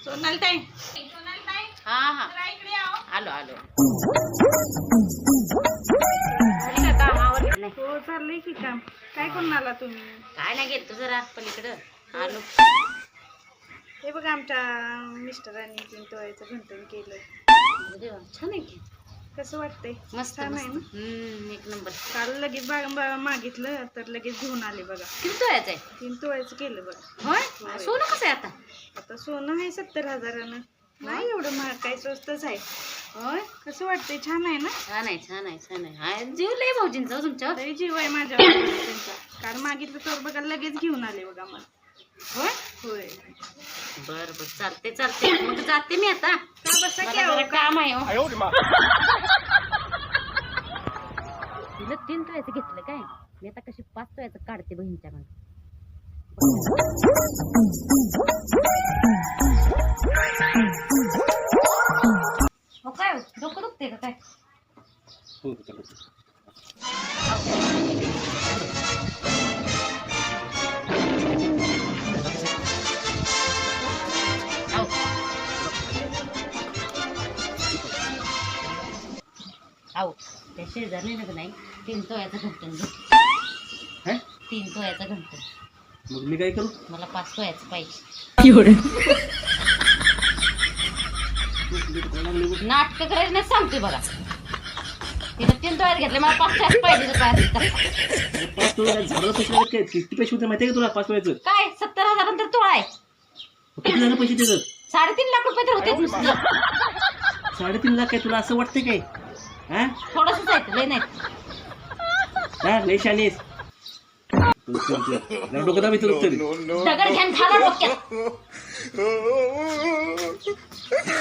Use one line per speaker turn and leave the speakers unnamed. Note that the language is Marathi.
सोनालताई
हा हा
जरा इकडे आओ.
आलो आलो झाली का कामावर नाही
हो चाललंय की काम. काय करून आला तुम्ही?
काय नाही गेलतो जरा पलीकडं आलो.
हे बघा आमच्या मिस्टरांनी 3 तोळ्याचं घंटण केलं.
अरे देवा, छान आहे की.
कसं वाटतंय?
मस्त
छान आहे
मस्त
ना?
एक नंबर.
काल लगेच मागितलं तर लगेच घेऊन आले बघा.
किती तोळ्याचं आहे?
3 तोळ्याचं केलं बघा.
होय
होय.
सोनं कसं आहे आता?
आता सोनं आहे 70,000. नाही एवढं महाग, काय स्वस्तच आहे.
होय
कसं वाटतंय? छान आहे ना?
छान आहे छान आहे छान आहे. हाय, जीव लय भाऊजींचा हो तुमच्यावर.
तरी जीव आहे माझ्या त्यांचा. काल मागितलं तर बघा लगेच घेऊन आले बघा मला.
होय
होय.
बर बर चालते चालते मग जाते मी आता.
का बसा की
मला
आओ?
जरा काम आहे हो. तिला 3 तोळ्याचं घेतलं काय, मी आता कशी 5 तोळ्याचं काढते बहिणीच्या मग. हो काय डोकं दुखते का काय? आऊ. आऊ त्या शेजारी नाही 3 तोळ्याचं घंटण घेतलं. 3 तोळ्याचं घंटण.
मग मी काय करू?
मला 5 तोळ्याचं पाहिजे. नाटक करायचं नाही सांगते बघा. तिला 3 तोळ्यात घेतले, मला 5 तोळ्यात पाहिजे तर काय?
5 तोळे झाडाला पैसे लागत काय? किती पैसे होते माहिती आहे का तुला 5 तोळ्याचं?
काय 70,000 नंतर तोळा आहे.
किती झालं पैसे त्याचं?
3.5 लाख रुपये तर होते नुसतं.
3.5 लाख काय तुला असं वाटतंय काय? हा
थोडंसंच आहे, लय नाही.
हा लय शानेस. डोकं दाबी तुला तरी
दगड घ्यान खाला डोक्यात.